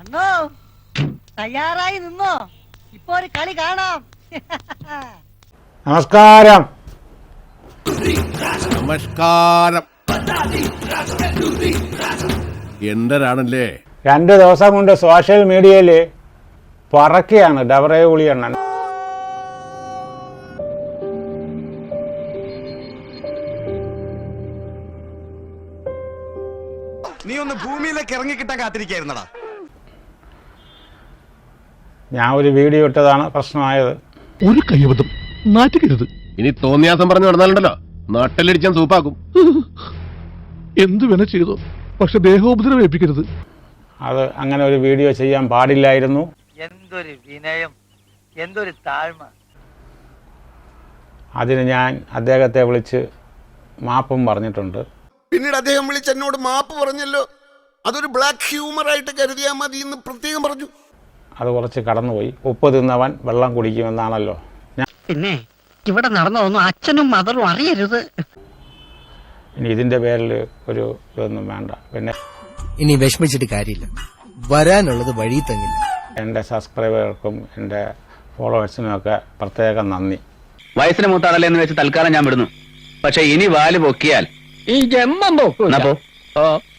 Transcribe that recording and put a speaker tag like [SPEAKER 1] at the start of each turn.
[SPEAKER 1] അണ്ണോ തയ്യാറായി നിന്നോ, ഇപ്പൊ ഒരു കളി കാണാം.
[SPEAKER 2] നമസ്കാരം.
[SPEAKER 3] നമസ്കാരം. എന്തരാണല്ലേ
[SPEAKER 2] 2 ദിവസം കൊണ്ട് സോഷ്യൽ മീഡിയയിൽ പറക്കുകയാണ് ഡബറേ ഉളിയണ്ണൻ.
[SPEAKER 4] നീ ഒന്ന് ഭൂമിയിലേക്ക് ഇറങ്ങിക്കിട്ടാൻ കാത്തിരിക്കായിരുന്നടാ.
[SPEAKER 2] ഞാൻ ഒരു വീഡിയോ ഇട്ടതാണ് പ്രശ്നമായത്.
[SPEAKER 5] ഒരു കയ്യബദ്ധം നാറ്റുകരുത്.
[SPEAKER 3] ഇനി തോന്നിയാസം പറഞ്ഞു നടന്നാലുണ്ടല്ലോ നാട്ടിലടിച്ചാൻ സൂപ്പാക്കും.
[SPEAKER 5] എന്തു വേണ ചെയ്തോ, പക്ഷെ ദേഹോപദ്രവം ഏൽപ്പിക്കരുത്.
[SPEAKER 2] അത് അങ്ങനെ ഒരു വീഡിയോ ചെയ്യാൻ പാടില്ലായിരുന്നു.
[SPEAKER 1] എന്തൊരു വിനയം, എന്തൊരു താഴ്മ.
[SPEAKER 2] അതിന് ഞാൻ അദ്ദേഹത്തെ വിളിച്ച് മാപ്പും പറഞ്ഞിട്ടുണ്ട്.
[SPEAKER 4] പിന്നീട് അദ്ദേഹം വിളിച്ച് എന്നോട് മാപ്പ് പറഞ്ഞല്ലോ. അതൊരു ബ്ലാക്ക് ഹ്യൂമർ ആയിട്ട് കരുതിയാൽ മതി എന്ന് പ്രത്യേകം പറഞ്ഞു.
[SPEAKER 2] അത് കുറച്ച് കടന്നുപോയി. ഉപ്പ് തിന്നവൻ വെള്ളം കുടിക്കുമെന്നാണല്ലോ.
[SPEAKER 1] പിന്നെ ഇവിടെ നടന്നതൊന്നും അച്ഛനും മദറും അറിയരുത്.
[SPEAKER 2] ഇനി ഇതിൻ്റെ പേരിൽ ഒരു ഇതൊന്നും വേണ്ട. പിന്നെ
[SPEAKER 6] ഇനി വിഷമിച്ചിട്ട് കാര്യമില്ല, വരാനുള്ളത് വഴി തങ്ങില്ല.
[SPEAKER 2] എൻ്റെ സബ്സ്ക്രൈബർക്കും എൻ്റെ ഫോളോവേഴ്സിനും ഒക്കെ പ്രത്യേകം നന്ദി.
[SPEAKER 7] വയസ്സിന് മൂത്താളല്ലേ എന്ന് വെച്ച് തൽക്കാലം ഞാൻ വിടുന്നു. പക്ഷെ ഇനി വാല് പൊക്കിയാൽ ഈ ജന്മം പോക്കൂ.